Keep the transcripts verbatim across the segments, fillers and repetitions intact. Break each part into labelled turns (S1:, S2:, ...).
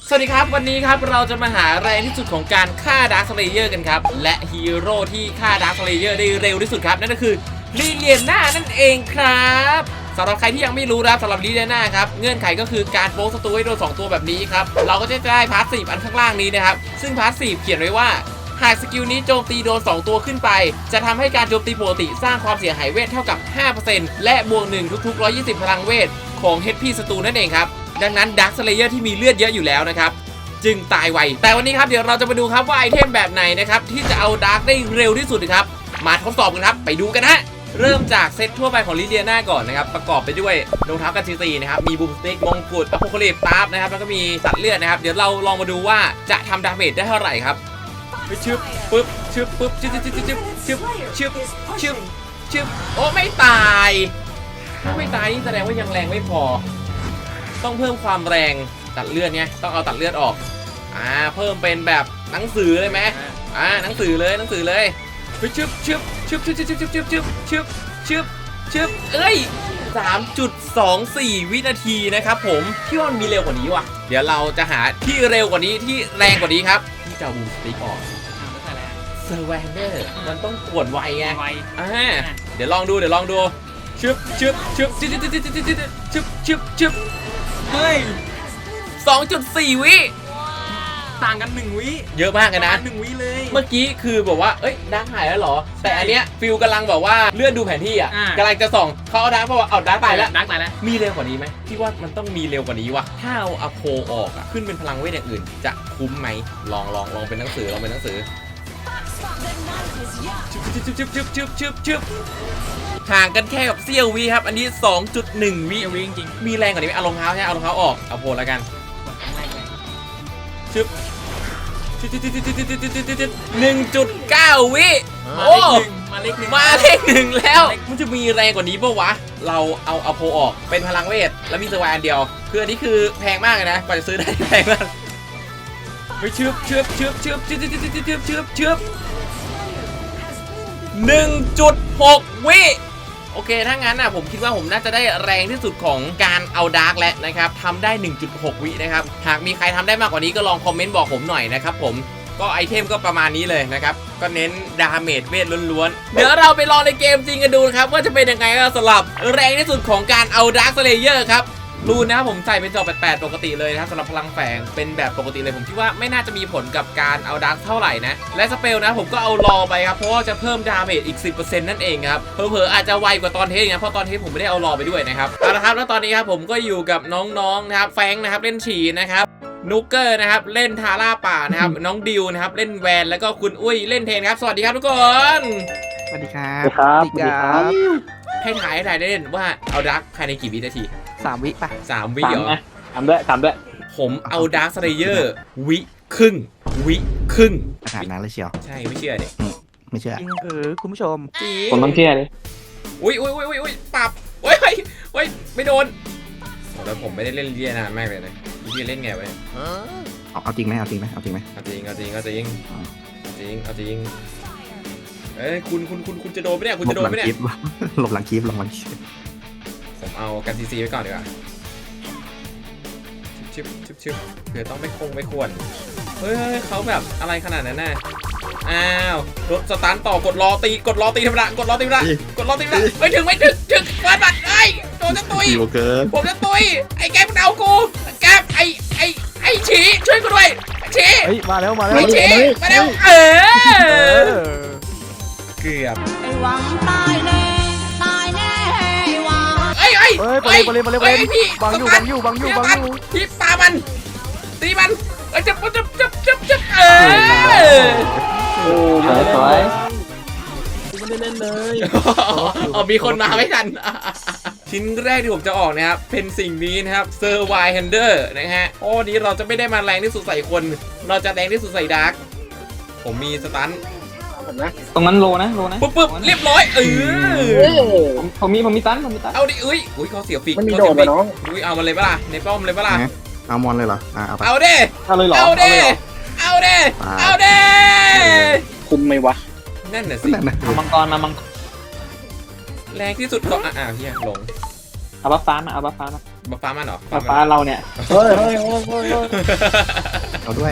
S1: สวัสดีครับวันนี้ครับเราจะมาหาแรงที่สุดของการฆ่าดาร์คสเลเยอร์กันครับและฮีโร่ที่ฆ่าดาร์คสเลเยอร์ได้เร็วที่สุดครับนั่นก็คือลิเลียน่านั่นเองครับสำหรับใครที่ยังไม่รู้นะสำหรับลิเลียน่าครับเงื่อนไขก็คือการโป๊กศัตรูให้โดนสองตัวแบบนี้ครับเราก็จะได้พาสซีฟอันข้างล่างนี้นะครับซึ่งพาสซีฟเขียนไว้ว่าหากสกิลนี้โจมตีโดนสองตัวขึ้นไปจะทำให้การโจมตีปกติสร้างความเสียหายเวทเท่ากับ ห้าเปอร์เซ็นต์ และบวกหนึ่งทุกๆหนึ่งร้อยยี่สิบพลังเวทของ เอช พี ศัตรูนั่นเองครับดังนั้นดาร์คสเลเยอร์ที่มีเลือดเยอะอยู่แล้วนะครับจึงตายไวแต่วันนี้ครับเดี๋ยวเราจะมาดูครับว่าไอเทมแบบไหนนะครับที่จะเอาดาร์กได้เร็วที่สุดครับมาทดสอบกันครับไปดูกันฮะเริ่มจากเซตทั่วไปของลิเลียน่าก่อนนะครับประกอบไปด้วยรองเท้ากันซีนะครับมีบูมสติ๊กมงกุฎอะโพคาลิปตาร์ฟนะครับแล้วก็มีสัตว์เลือดนะครับเดี๋ยวเราลองมาดูว่าจะทำดาเมจได้เท่าไหร่ครับชึบปึ๊บชึบปึ๊บชึบชึบชึบชึบชึบชึบชึบโอ้ไม่ตายไม่ตายนี่แสดงว่ายังแรงไม่พอต้องเพิ่มความแรงตัดเลือดเนี่ยต้องเอาตัดเลือดออกอ่าเพิ่มเป็นแบบหนังสือเลยไหมอ่าหนังสือเลยหนังสือเลยชึบชึบชึบชึบชึบชึบชึบชึบชึบชึบชึบชึบเอ้ย สามจุดสองสี่ วินาทีนะครับผมพี่ว่ามันมีเร็วกว่านี้ว่ะเดี๋ยวเราจะหาที่เร็วกว่านี้ที่แรงกว่านี้ครับที่จะบูมสติ๊กออกเซอร์แวนเดอร์มันต้องกดไวไงอ่าเดี๋ยวลองดูเดี๋ยวลองดูชึบชึบชึบชึบชึบชึบชึบชึบชึบชึบชึบเฮ้ย สองจุดสี่ วิ
S2: ต่างกันหนึ่งวิ
S1: เยอะมากเลยนะ
S2: หนึ่งวิเลย
S1: เมื่อกี้คือบอกว่าเอ้ยดาร์กหายแล้วเหรอแต่อันเนี้ยฟิลกำลังบอกว่าเลื่อนดูแผนที่อ่ะกำลังจะส่องเขาเอาดาร์กเพราะว่าเอาดาร์กตายแล้ว
S2: ดาร์กตายแล้ว
S1: มีเร็วกว่านี้ไหมที่ว่ามันต้องมีเร็วกว่านี้ว่ะถ้าเอาอโพออกอ่ะขึ้นเป็นพลังเวทอย่างอื่นจะคุ้มไหมลองลองลองเป็นหนังสือลองเป็นหนังสือชึบชึบชึบชึบชึบชึบชึบห่างกันแค่กับเสี้ยววิครับอันนี้ สองจุดหนึ่ง วิ
S2: วิจริง
S1: มีแรงกว่านี้ไหมเอารองเท้าใช่เอารองเท้าออกเอาโพแล้วกันชึบหนึ่งจุดเก้า วิโอ้
S2: มาเลขหนึ่ง
S1: มาเลขหนึ่งแล้วมันจะมีแรงกว่านี้ปะวะเราเอาเอาโพออกเป็นพลังเวทแล้วมีสวายอันเดียวคืออันนี้คือแพงมากเลยนะกว่าจะซื้อได้แพงมากไปชึบชึบชึบชึบชึบชึบชึบชึบชึบชึบหนึ่งจุดหก วิโอเคถ้างั้นนะผมคิดว่าผมน่าจะได้แรงที่สุดของการเอาดาร์กแล้วนะครับทำได้ หนึ่งจุดหก วินะครับหากมีใครทำได้มากกว่านี้ก็ลองคอมเมนต์บอกผมหน่อยนะครับผมก็ไอเทมก็ประมาณนี้เลยนะครับก็เน้นดาเมจเวทล้วนๆเดี๋ยวเราไปลองในเกมจริงกันดูนะครับว่าจะเป็นยังไงสำหรับแรงที่สุดของการเอาดาร์กสเลเยอร์ครับรูนนะครับผมใส่เป็นจอแปดแปดปกติเลยนะครับสำหรับพลังแฝงเป็นแบบปกติเลยผมคิดว่าไม่น่าจะมีผลกับการเอาดาร์กเท่าไหร่นะและสเปลนะผมก็เอารอไปครับเพราะว่าจะเพิ่มดาเมจอีก สิบเปอร์เซ็นต์ นั่นเองครับเผลอๆอาจจะไวกว่าตอนเทสนะเพราะตอนเทสผมไม่ได้เอารอไปด้วยนะครับเอาละครับแล้วตอนนี้ครับผมก็อยู่กับน้องๆนะครับแฟงนะครับเล่นฉีนะครับนุกเกอร์นะครับเล่นทาร่าป่านะครับน้องดิวนะครับเล่นแวนแล้วก็คุณอุ้ยเล่นเทนครับสวัสดีครับทุกคน
S3: สวัสดีครับ
S4: สวัสดีครับ
S1: ให้ถ่ายให้ถ่ายเล่นว่าเอาดาร์กภายในกี่วินาที
S3: สามวิป่ะ
S1: สามวิเหรอ
S4: ทำด้วยทำด้วย
S1: ผมเอาดาร์คสเลเยอร์วิครึ่งวิครึ่ง
S3: ขนาดนั้นเลยเชียว
S1: ใช่ไม่เชื่อเด็
S3: ไม่เชื่อเออคุณผู้ชม
S4: ผมต้องเชื่อเลย
S1: อุ้ยอุ้ยอุ้ยอุ้ยปรับโอ้ยโอ้ยไม่โดนแล้วผมไม่ได้เล่นเรียนานมากเลยนะเรียนเล่นไงวะเนี่ย
S3: เอาเอาจริงไหมเอาจริงไหมเอาจริงไหม
S1: เอาจริงเอาจริงเอาจริงเอาจริงเอาจริงเอ้ยคุณคุณคุณคุณจะโดนไหมเนี่ยคุณจะโดนไหมเนี่ย
S3: หลบหลังคลิปหลบหลังคลิป
S1: ผมเอากันซีซีไว้ก่อนดีกว่าชิบชิบชิบเผื่อต้องไม่คงไม่ควรเฮ้ยเขาแบบอะไรขนาดนั้นน่ะอ้าวรถสตาร์ทต่อกดรอตีกดรอตีธรรมดากดรอตีธรรมดากดรอตีธรรมดาไม่ถึงไม่ถึงถึงเปิดบัตรไอ้โดนจะตุยผมจะตุยไอ้แกมันเอากูแกไอ้ไอ้ไอ้ฉีช่วยกูด้วยฉี
S3: มาแล้วมาแล้ว
S1: ไอ้ฉีมาแล้วเออเกือบ
S5: ไอ้หวังตายแน่ตายแน่หวัง
S1: เอ้ยเอ้ย
S3: เฮ้ยไปเลยไปเลยไปเลยพี่บังอยู่บังอยู่บังอยู่บังอยู่
S1: พี่ปามันตีมันเอ้ยจับจับจับจับจับเออ
S4: โอ้ยสวย
S2: ไม่ได้เล่นเลย
S1: อ๋อมีคนมาไม่ทันชิ้นแรกที่ผมจะออกนะครับเป็นสิ่งนี้นะครับเซอร์ไวแฮนเดอร์นะฮะโอ้นี้เราจะไม่ได้มาแรงที่สุดใส่คนเราจะแรงที่สุดใส่ดาร์กผมมีสตัน
S4: ตรงนั้นโลนะโลนะ
S1: ปุ๊บปุ๊บเรียบร้อยเอ
S4: อผมมีผมมีตันผมมีตัน
S1: เอาดิอุ้ยอุ้ยเขาเสียฟิก
S4: มันมีโดดไปน้อง
S1: อุ้ยเอามาเลยปะล่ะในป้อมเลยปะล่ะ
S3: เอามอนเลยเหรอเอา
S1: เอาเด้
S4: เอาเลยเหรอ
S1: เอาเด้เอาเด้เอาเด้
S4: คุมไหมวะ
S1: นั่นน่ะสิ
S4: เอามังกรมามัง
S1: แรงที่สุดก็อ่าเฮียลง
S4: เอาบัฟฟ้ามาเอาบัฟฟ้ามา
S1: บัฟฟ้ามันเหรอ
S4: ฟ้าฟ้าเราเนี่ยเฮ้ยเฮ้ยเฮ้ยเฮ้ย
S3: เอาด้วย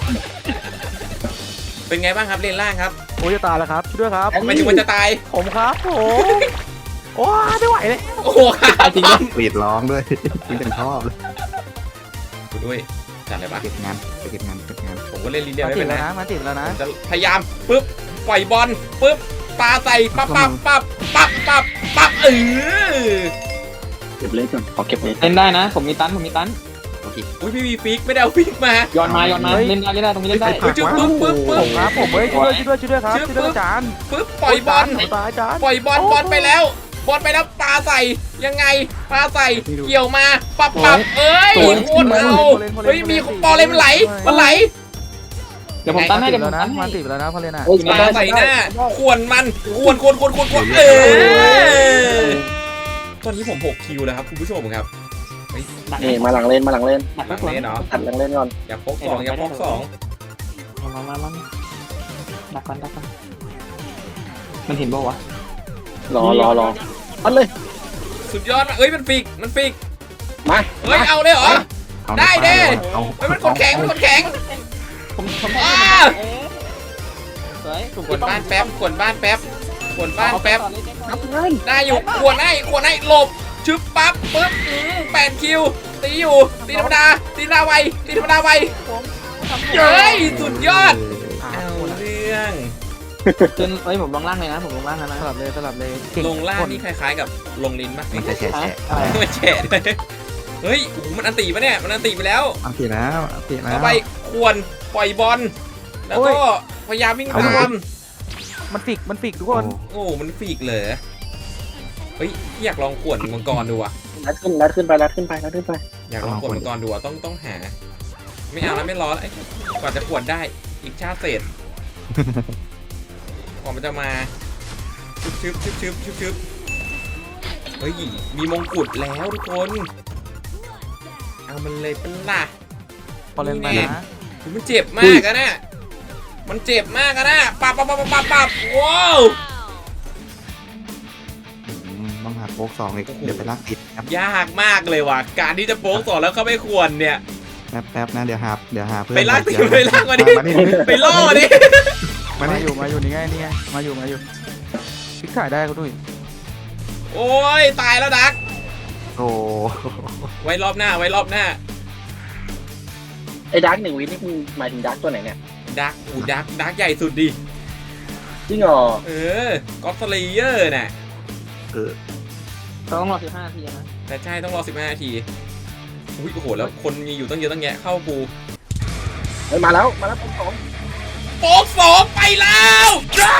S1: เป็นไงบ้างครับเลนล่างครับ
S3: โอ้ยจะตายแล้วครับช่วยด้วยครับ
S1: ทำไมถึงมันจะตาย
S3: ผมครับผมโอ้ยไม่ไหวเลย
S1: โอ้โหขาดจริงด้วย
S3: กรีดร้องด้วยคุณเป็นชอบเลย
S1: กูด้วยจัดเลยปะ
S3: เก็บงานไปเก็บงานเก็บงาน
S1: ผมก็เล่นลิเลีย
S3: มา
S1: ไม่
S3: ติ
S1: เป็
S3: ด
S1: น
S3: แล้ว
S1: นะ
S3: นะมาติดแล้วนะ
S1: ผมจะพยายามปุ๊บปล่อยบอลปุ๊บปาใส่ปั๊บปั๊บปั๊บปั๊บปั๊บปั๊บเออ
S4: เก็บเลสก่อนขอเก็บเลสเล่นได้นะผมมีตันผมมีตัน
S3: โอเค
S1: อุ้ยพี่มีฟิกไม่ได้เอาฟิกมา
S4: ย้อนมาย้อนมาเล่นได้เล่นได้ตรงนี้เล่นได้
S1: เฮ้ยจุ๊บปุ๊บปุ๊บปุ๊
S3: ผ
S1: บ
S3: มครับผมเฮ้ยช่วยด้วยช่วยด้วยช่วยด้วยครับช่วยด้วยจาน
S1: ปุ๊บปล่อยบอล
S3: ตายจาน
S1: ปล่อยบอลบอลไปแล้วบอลไปแล้วปาใส่ยังไงปาใส่เกี่ยวมาปับปับเอ้ยโคตรเอาเฮ้ยมีบอลเลยมันไหลมันไหล
S4: เดี๋ยวผมตันให้เดี๋ยวผ
S3: แล้ว
S4: ม
S3: นะ
S4: ตันให้
S3: มาติดแล้วนะพอเลยนะ
S1: ปาใส่หน้าขวนมันขวนขวนขวนขวนขวนเออตอนนี้ผมหกคิวแล้วครับคุณผู้ชมครับ
S4: นี่มาหลังเลนมาหลังเลน
S1: หลังเล่นเนาะ
S4: ตัดหลังเลนก่อน
S1: อย่าพกสองอย่าพกสอง
S4: มามามาดักก่อนดักก่อนมันเห็นบ่วะรอรอรออันเลย
S1: สุดยอดเอ้ยมันฟิกมันฟิก
S4: มา
S1: เฮ้ยเอาเลยเหรอ
S3: เอา
S1: ได้เด้
S3: เอา
S1: เฮ้ยมันคนแข็งมันคนแข็ง
S4: ผมผม
S1: อ้า
S4: สวยถูก
S1: ขวนบ้านแป๊บขวนบ้านแป๊บขวนบ้านแป๊บ
S4: นับเงิน
S1: ได้อยู่ขวนให้ขวนให้หลบชึบปั๊บปึ๊บอืมแปดคิวตีอยู่ตีธรรมดาตีธรรมดาไวตีธรรมดาไวเฮ้ยสุดยอด
S3: เอา
S1: เอาเรื่อง
S4: ขึ้นเอ้ยผมลงล่างเลยนะผมลงล่างแล้วนะ
S3: สลับเลยสลับเลยเก่
S1: ลงล่างนี่คล้ายๆกับลงลิ้นปะ
S3: นี่แฉะแฉะ
S4: อะไร
S1: ไม่แฉะเลยเฮ้ยโอ้โหมันอันตีปะเนี่ยมันอันตีไปแล้ว
S3: เอาติดแล้วเอาติดแล้ว
S1: ต่อไปควรปล่อยบอลแล้วก็พยายามวิ่งตาม
S3: มันฟิกมันฟิกทุกคน
S1: โอ้มันฟีกเลยเฮ้ยอยากลองขวนมังกรดูอะ
S4: ลัดขึ้นลัดขึ้นไปลัดขึ้นไปลัดขึ้นไป
S1: อยากลองขวนมังกรดูอะต้องต้องหา ไม่เอาแล้วไม่รอแล้วไอ้กว่าจะขวนได้อีกชาติเศษกว่ามันจะมาชึบชึบชึบชึบชึบชึบเฮ้ยมีมงกุฎแล้วทุกคนเอามันเลยเป็นล่ะ
S3: พอเล่นไปนะ
S1: มันเจ็บมากอะนะมันเจ็บมากอะนะปับปับปับปับปับปับว้าว
S3: ต้องหาโป๊กสองอีกเดี๋ยวไปลากติดครับ
S1: ยากมากเลยว่ะการที่จะโป๊กสอนแล้วเข้าไม่ควรเนี่ย
S3: แป๊บแป๊บนะเดี๋ยวหาเดี๋ยวหาเพื่อน
S1: ไปลากติ
S3: เดี๋ยว
S1: ไปลากมาดิ
S3: มาดิ
S1: ไปล่อดิ
S3: มาดิอยู่มาอยู่นี่ไงนี่ไงมาอยู่มาอยู่พลิกถ่ายได้เขาด้วย
S1: โอ้ยตายแล้วดัก
S3: โอ้
S1: ไว้รอบหน้าไว้รอบหน้า
S4: ไอ้ดักหนึ่งวินี่คุณหมายถึงดักตัวไหนเนี่ย
S1: ดักอูดักดักใหญ่สุดดิ
S4: จริงเหรอ
S1: เออก็อตสเลเยอร์น่ะ
S3: เออ
S4: ต้องรอสิบห้านาทีนะ
S1: แต่ใช่ต้องรอสิบห้านาทีอุ้ยโอ้โหแล้วคนมีอยู่ตั้งเยอะตั้งแยะเข้าปู
S4: เฮ้ยมาแล้วมาแล้วผมสอง
S1: โป๊กสองไปแล้วจ้า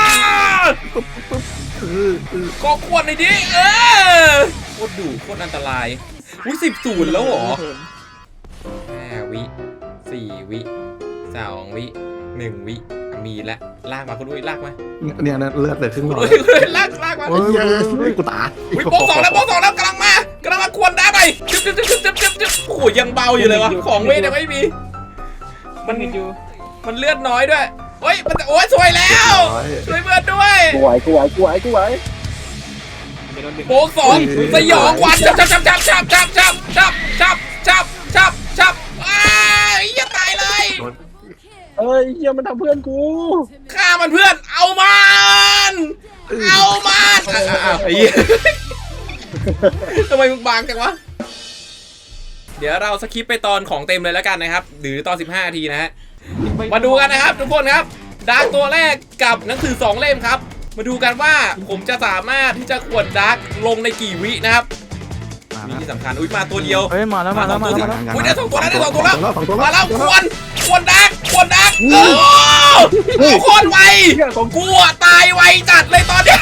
S3: เออเออ
S1: ก็ควรหน่อยดิเออโคตรดุโคตรอันตรายอุ้ยสิบศูนย์แล้วเหรอห้าวิสี่วิสองวิหนึ่งวิมีแล้วลากมาคุณอุ้ยลากมา
S3: เนี่ยเลือดเลยครึ่งหล
S1: คุณ
S3: อด
S1: อุ้ยลากลากมา
S3: เฮ้ยเฮ้ยกูตาย
S1: อุ้ยโป๊กสองแล้วโป๊กสองแล้วกำลังมากำลังมาควรได้ไปจึ๊บจึ๊บจึ๊บจึ๊บจึ๊บจึ๊บโอ้โหยังเบาอยู่เลยวะของเวทยังไม่มี
S4: มันอยู่
S1: มันเลือดน้อยด้วยเฮ้ยมันจะโอ้ยสวยแล้วช่วยเพื่อนด้วย
S4: กูไหวกูไหวกูไหวกูไหว
S1: โป๊กสองสยองวันจับจับจับจับจับจับจับจับจับจับจับอ้ายอย่าตายเลย
S4: เอ้ยเฮียมันทำเพื่อนกู
S1: ฆ่ามันเพื่อนเอามันเอามันอ้าวไอ้เหี้ยทำไมมึงบางจังวะเดี๋ยวเราสคิปไปตอนของเต็มเลยแล้วกันนะครับหรือตอนสิบห้านาทีนะฮะมาดูกันนะครับทุกคนครับดาร์กตัวแรกกับหนังสือสองเล่มครับมาดูกันว่าผมจะสามารถที่จะขวดดาร์กลงในกี่วินะครับวิที่สำคัญอุ้ยมาตัวเดียว
S3: เฮ้ยมาแล้วมาแล้วมาแล้วมาแล้ว
S1: อุ้ยได้สองตัวแล้วได้สองตัวแล้ว
S3: สองตัว
S1: มาแล้วควรควรดาร์กควรดาร์กโอ้โหโคตรไวกูอะตายไวจัดเลยตอนเนี้ย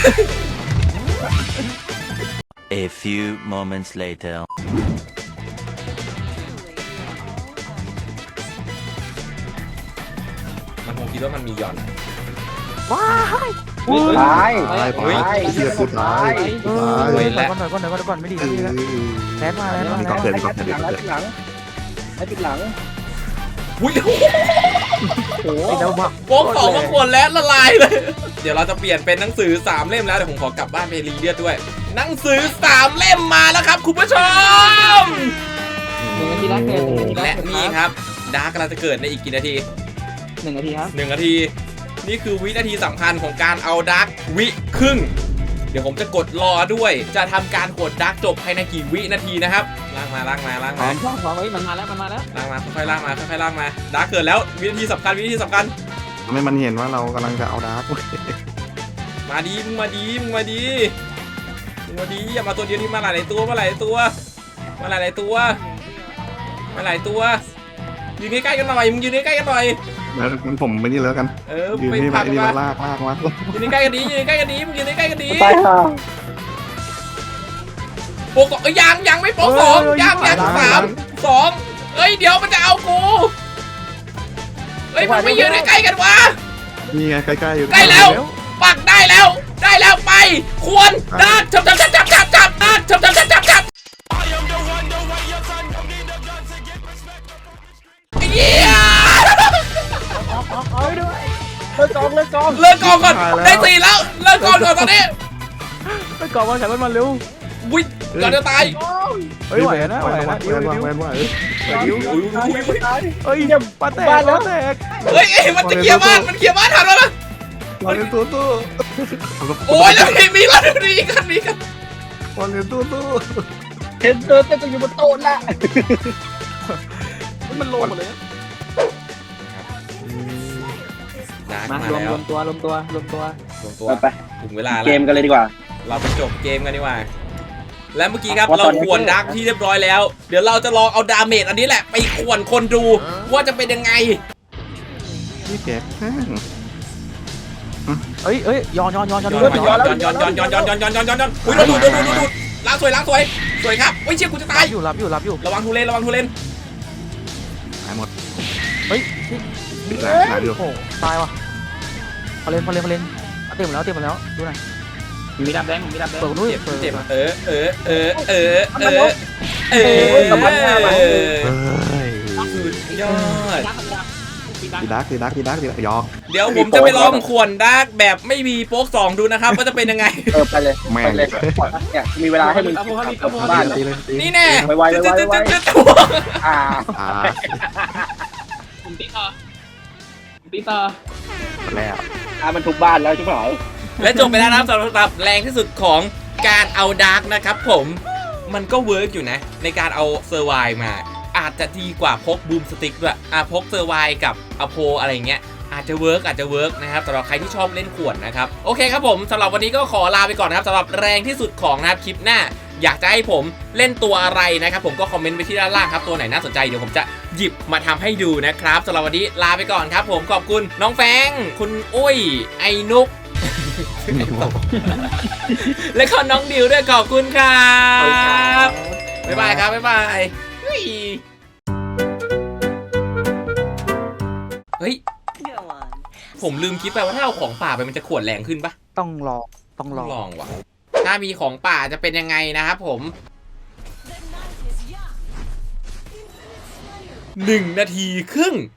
S6: A few moments later.
S1: มันคงคิดว่ามันมีหย่อน
S3: ว้าย
S4: ตาย
S3: ตายไปเชื่อกูตายตาย
S1: เว้ย
S3: ก่อนก่อนก่อนก่อนก่อนไม่ดี
S4: เอ
S3: ไม่ดีแล้ว
S4: อ
S3: แทนมาแล้ว
S4: ไอ้
S3: มา
S4: ปิด
S3: แล้ว
S4: หลังไอ้ปิดหลังไอ้ปิดหลัง
S1: อุ้ย
S3: ไอ้เจ้าบัก
S1: โป๊กสองมาขวดแล้วละลายเลย เดี๋ยวเราจะเปลี่ยนเป็นหนังสือสามเล่มแล้วเดี๋ยวผมขอกลับบ้านไปรีเลือดด้วย หนังสือสามเล่มมาแล้วครับคุณผู้ชม
S4: หนึ่งนาทีแรกเกิดหนึ่งนาทีแร
S1: และ
S4: กเกิด
S1: นี่ครับดาร์กกำลังจะเกิดในอีกกี่นาที
S4: หนึ่งนาทีครับ
S1: หนึ่งนาที นี่คือวินาทีสำคัญของการเอาดาร์กวิครึ่ง เดี๋ยวผมจะกดรอด้วย จะทำการกดดาร์กจบภายในกี่วินาทีนะครับลากมาลากมาลาก
S4: พร้อ
S1: มาม
S4: พร้อมพร้อมเฮ้ยมันมาแล้วมันมาแล้ว
S1: ลากมาค่อยๆลากมาค่อยๆลากมาดาร์กเกิดแล้ววินาทีสำคัญวินาทีสำคัญ
S3: ทำให้มันเห็นว่าเรากำลังจะเอาดาร์ก
S1: มาดีมึงมาดีมึงมาดีมึงมาดีอย่ามาตัวเดียวนี่มาหลายๆตัวมาหลายๆตัวมาหลายๆตัวมาหลายตัวยืนใกล้ๆกันหน่อยมึงยืนใกล้ๆกันหน่อย
S3: แล้วงั้นผมไปนี่แล้วกัน
S1: เออ
S3: ยืน
S1: ไป
S3: นี่
S1: พั
S3: มาก ไอ้นี่
S1: มา
S3: มาลากลากมา
S1: ยืนใกล้กันดียืนใกล้กันดีมึงยืนใกล้กันดี
S4: ตายค่ะ
S1: โปกเอ้ยยังยังไม่โปกสองยังยังสามสองเอ้ยเดี๋ยวมันจะเอากูเฮ้ยมันไม่ยืนใกล้ๆกันวะ
S3: นี่ไงใกล้ๆอยู่
S1: ได้แล้ว ปักได้แล้ว ได้แล้วไป ควรดักจับจับจับจับจับจับดักจับจับจับจับจับเยี่ย
S3: เลิกกองเลิกกอง
S1: เลิกกองก่อนได้สี่แล้วเลิกกองก่อนตอนนี้
S3: เลิกกองมาฉันมันเร็ว
S1: วิ่งก่อนจะตาย
S3: เฮ้ยไหวนะไหวนะดิวดิวไหวไหวดิว
S1: อุ้ยอุ้ยอุ้ย
S3: เฮ้ยปาแตกปาแตก
S1: เฮ้ยมันจะเคลียร์บ้านมันเคลียร์บ้านทันแล้วนะ
S3: บอลเล่นตู้ตู้
S1: โอ้ยแล้วมีมีแล้วมีกันมีกัน
S3: บอลเล่นตู้ตู้
S4: เห็นเดินเต้นอยู่บนโต๊ะละ
S3: มันโลหมดเลย
S1: ดัก
S4: มา
S1: มาร
S4: วม
S1: แล้
S4: ร
S1: ว
S4: วมตัวรวมตัวรวมตัว
S1: ลงตัว
S4: ไป
S1: ถึงเวลา
S4: เก
S1: แล้ว
S4: มกันเลยดีกว่า
S1: เราไปจบเกมกันดีกว่า และเมื่อกี้ครับ
S4: ว่า
S1: เรา
S4: ตอนนี้
S1: ขวนดักที่เรียบร้อยแล้ว เดี๋ยวเราจะลองเอาดาเมจอันนี้แหละไปขวนคนดูว่าจะเป็นยังไง
S3: นี่แกเอ้ยเอ้ยย้อนย้อนย้อนย้อน
S1: ย้อนย้อนย้อนย้อนย้อนย้อนย้อนย้อนย้อนย้อนย้อนอุ้ยเราดูดูดูดูดูล้างสวยล้างสวยสวยครับอุ้ยเชี่ยกูจะตาย
S3: อยู่รับอยู่รับอยู่
S1: ระวังทูเลนระวังทูเลน
S3: หายหมดเฮ้ยหายอยู่
S7: โอ้ตายว่ะพอเล่นพอเล่นพอเล่นเต็มแล้วเต็มแล้วดูหน่อย
S4: มีดำแดงมีดำแดง
S7: เปิดนู้น
S1: เจ็บ
S7: เปิด
S1: เจ็บเออเออเออเออเออเออสุดยอด
S3: ดีดักดีดักดีดักดีดักยอก
S1: เดี๋ยวผมจะไปลองขวนดักแบบไม่มีโป๊กสองดูนะครับว่าจะเป็นยังไง
S4: เออไปเลย
S3: แม่
S4: ไป
S3: ง
S4: เลยเนี่ยมีเวลาให้มึงกลับบ้าน
S3: ตีเลยตี
S1: นี่แน่
S4: ไวไวไวไวไวอ่า
S3: อ่า
S4: ผมตีต่อตีต่อ
S3: แล้ว
S4: อ่ามันทุกบ้านแล้วใช่ไหม
S1: และจบไปแล้วนะครับสำหรับแรงที่สุดของการเอาดาร์กนะครับผมมันก็เวิร์กอยู่นะในการเอาเซอร์ไวมาอาจจะดีกว่าพกบูมสติ๊กด้วยอ่ะพกเซอร์ไวกับอโพอะไรเงี้ยอาจจะเวิร์กอาจจะเวิร์กนะครับสำหรับใครที่ชอบเล่นขวดนะครับโอเคครับผมสำหรับวันนี้ก็ขอลาไปก่อนนะครับสำหรับแรงที่สุดของนะครับคลิปหน้าอยากจะให้ผมเล่นตัวอะไรนะครับผมก็คอมเมนต์ไว้ที่ด้านล่างครับตัวไหนน่าสนใจเดี๋ยวผมจะหยิบมาทำให้ดูนะครับสำหรับวันนี้ลาไปก่อนครับผมขอบคุณน้องแฟงคุณอุ้ยไอ้นุก และก็น้องดิวด้วยขอบคุณครับบ๊ายบายครับบ๊ายบายเฮ้ยเฮ้ยผมลืมคิดไปว่าถ้าเอาของป่าไปมันจะขวดแรงขึ้นปะ
S7: ต้องรอต้องร
S1: ต้
S7: อ
S1: องลองว่ะถ้ามีของป่าจะเป็นยังไงนะครับผมหนึ่งนาทีครึ่ง